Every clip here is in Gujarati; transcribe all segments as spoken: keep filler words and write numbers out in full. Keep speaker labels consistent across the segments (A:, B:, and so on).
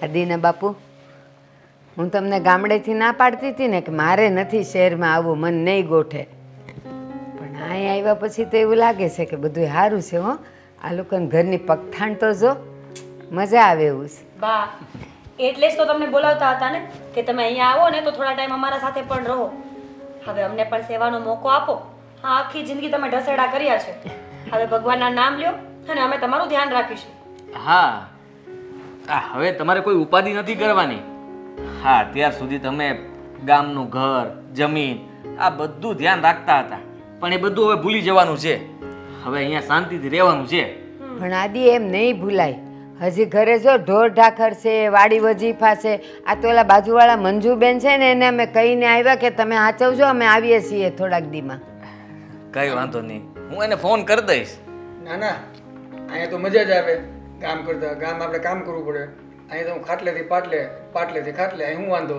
A: આદિના બાપુ, હું તમને ગામડેથી ના પાડતી હતી ને કે મારે નથી શહેરમાં આવવું, મન નહીં ગોઠે, પણ અહીં આવ્યા પછી તો એવું લાગે છે કે બધું સારું છે. હો, આ લોકોને ઘરની પગથાણ તો જો, મજા આવે એવું છે.
B: બા, એટલે જ તો તમને બોલાવતા હતા ને કે તમે અહીંયા આવો ને તો થોડા ટાઈમ અમારા સાથે પણ રહો. હવે અમને પણ સેવાનો મોકો આપો. હા, આખી જિંદગી તમે ઢસેડા કર્યા છે. હવે ભગવાનના નામ લ્યો અને અમે તમારું ધ્યાન રાખીશું.
C: હા, આ હવે તમારે કોઈ ઉપાધિ નથી કરવાની. હા, અત્યાર સુધી તમે ગામનું ઘર, જમીન, આ બધું ધ્યાન રાખતા હતા, પણ એ બધું હવે ભૂલી જવાનું છે. હવે અહીંયા શાંતિથી રહેવાનું છે.
A: પણ આદિ એમ નહીં ભૂલાય. હજી ઘરે જો ઢોર ઢાખર છે, વાડી વજીફા છે. આ તો ઓલા બાજુવાળા મંજુબેન છે ને, એને અમે કહીને આવ્યા કે તમે હાચવજો, અમે આવીએ છીએ થોડાક દીમાં.
C: કઈ વાંધો નહીં, હું એને ફોન કરી દઈશ.
D: ના ના, અહીંયા તો મજા જ આવે કામ કરતા. ગામ આપણે કામ કરવું પડે. અહીંયા તો હું ખાટલેથી પાટલે, પાટલેથી ખાટલે, અહીં હું વાંધો.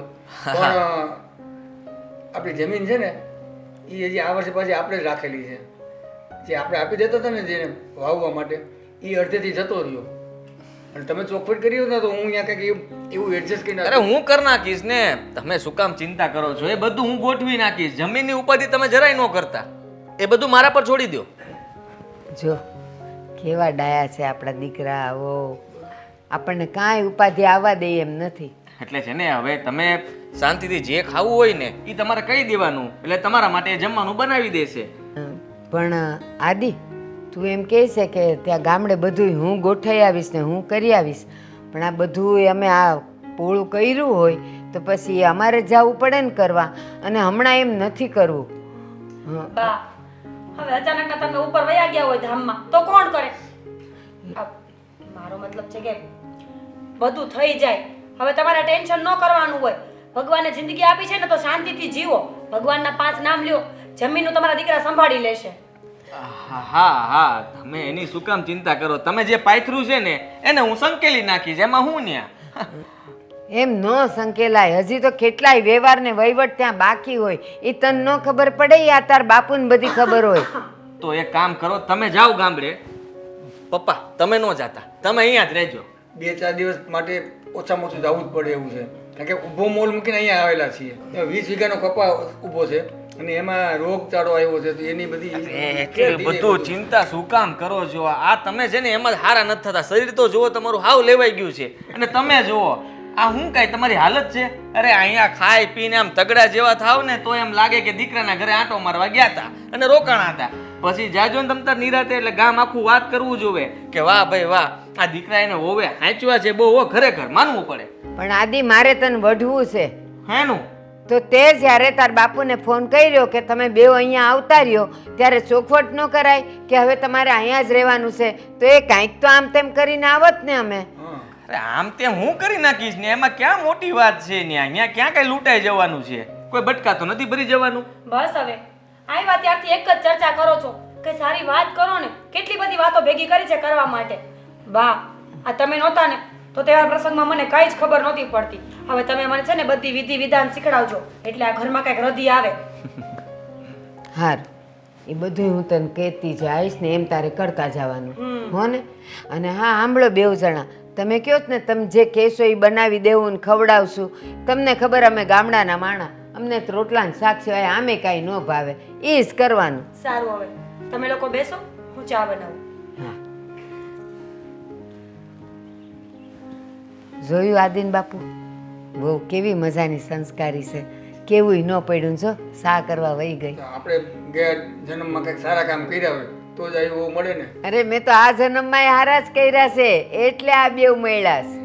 D: પણ આપણી જમીન છે ને, એ હજી આ વર્ષે પાછી આપણે જ રાખેલી છે. જે આપણે આપી દેતા હતા ને જેને વાવવા માટે, એ અડધેથી જતો રહ્યો. અને તમે ચોખવટ કરી હોત ને તો હું અહીંયા કંઈક એવું એડજસ્ટ કરીને
C: અરે હું કરી નાખીશ ને, તમે શું કામ ચિંતા કરો છો? એ બધું હું ગોઠવી નાખીશ. જમીનની ઉપાધિ તમે જરાય ન કરતા, એ બધું મારા પર છોડી દો.
A: જો કેવા ડાયા છે આપણા દીકરાઓ, આપણને કાંઈ ઉપાધિ આવવા દે એમ નથી.
C: એટલે છે ને, હવે તમે શાંતિથી જે ખાવું હોય ને એ તમારે કહી દેવાનું, એટલે તમારા માટે જમવાનું બનાવી દેશે.
A: પણ આદિ, તું એમ કહે છે કે ત્યાં ગામડે બધું હું ગોઠવી આવીશ ને હું કરી આવીશ, પણ આ બધું અમે આ પોળું કર્યું હોય તો પછી અમારે જવું પડે ને કરવા, અને હમણાં એમ નથી કરવું.
B: બા, હવે અચાનક તમે ઉપર વયા ગયા હોય ધામમાં તો કોણ કરે? મારો મતલબ છે કે બધું થઈ જાય. હવે તમારે ટેન્શન ન કરવાનું હોય. ભગવાને જિંદગી આપી છે ને તો શાંતિથી જીવો. ભગવાનના પાંચ નામ લ્યો, જમીનનું તમારા દીકરા સંભાળી લેશે.
C: હા હા હા, તમે એની શું કામ ચિંતા કરો? તમે જે પાથરું છે ને એને હું સંકેલી નાખીશ, એમાં હું ન્યા.
A: એમ ન સંકેલાય. હજી તો કેટલાય વ્યવહાર ને વહીવટ ત્યાં બાકી હોય. એ તને ન ખબર પડે, આ તાર બાપુને બધી ખબર હોય.
C: તો એક કામ કરો, તમે જાઓ ગામડે. પપ્પા તમે ન જાતા, તમે અહીંયા જ રહેજો.
D: બે ચાર દિવસ માટે ઓછામાં ઓછું જવું જ પડે એવું છે. કારણ કે ઊભો મોલ મૂકીને અહીંયા આવેલા છીએ. વીસ વીઘાનો કપા ઊભો છે અને એમાં રોગચાળો આવ્યો છે, તો એની બધી
C: એટલી બધું ચિંતા શું કામ કરો છો? આ તમે છે ને એમાં જ હારા નથી થતા. શરીર તો જુઓ તમારું હાવ લેવાઈ ગયું છે, અને તમે જુઓ આ શું કાંઈ તમારી હાલત છે. અરે અહીંયા ખાઈ પીને આમ તગડા જેવા થાવ ને તો એમ લાગે કે દીકરાના ઘરે આંટો મારવા ગયા હતા અને રોકાણા હતા. પછી જાજો ને તમતાર નિરાતે એટલે ગામ આખું વાત કરવું જોવે કે વાહ ભાઈ વાહ, આ દીકરા એને હોવે હાંચવા છે બહુ, ખરેખર માનવું પડે.
A: પણ આદિ, મારે તને વઢવું છે.
C: હેનું?
A: તો તે જ્યારે તાર બાપુને ફોન કર્યો કે તમે બે અહીંયા આવતા રહ્યો, ત્યારે ચોખવટ ન કરાય કે હવે તમારે અહીંયા જ રહેવાનું છે? તો એ કાંઈક તો આમ તેમ કરીને આવત ને અમે.
C: અરે આમ તેમ હું કરી નાખીશ ને, એમાં ક્યાં મોટી વાત છે? ને અહીંયા ક્યાં કઈ લૂંટાઈ જવાનું છે? કોઈ બટકા તો નથી ભરી જવાનું.
B: બસ હવે આવ્યા ત્યારથી એક જ ચર્ચા કરો છો કે સારી વાત કરો ને. કેટલી બધી વાતો ભેગી કરી છે કરવા માટે. વાહ, આ તમે નહોતા ને તો તહેવાર પ્રસંગમાં મને કાંઈ જ ખબર નહોતી પડતી. હવે તમે મને છે ને બધી વિધિ વિધાન શીખડાવજો, એટલે આ ઘરમાં કંઈક રધી આવે.
A: હાર, એ બધું હું તને કહેતી જઈશ ને, એમ તારે કરતા જવાનું હો ને. અને હા, સાંભળો બેઉ જણા, તમે કહો ને તમે જે કહેશો એ બનાવી દેવું ને ખવડાવશું. તમને ખબર અમે ગામડાના માણા, અમને તો રોટલા ને શાક સિવાય આમે કાંઈ ન ભાવે, એ જ કરવાનું.
B: સારું, હવે તમે લોકો બેસો, હું ચા બનાવું.
A: હા, જોયું આદિન બાપુ, બહુ કેવી મજાની સંસ્કારી છે. કેવું ન પડ્યું જો સા કરવા વહી ગઈ.
D: આપણે ગયા જન્મમાં કંઈક સારા કામ કર્યા હોય તો જ એવું મળે ને.
A: અરે મેં તો આ જન્મમાં હારા જ કર્યા છે, એટલે આ બેવ મળ્યા છે.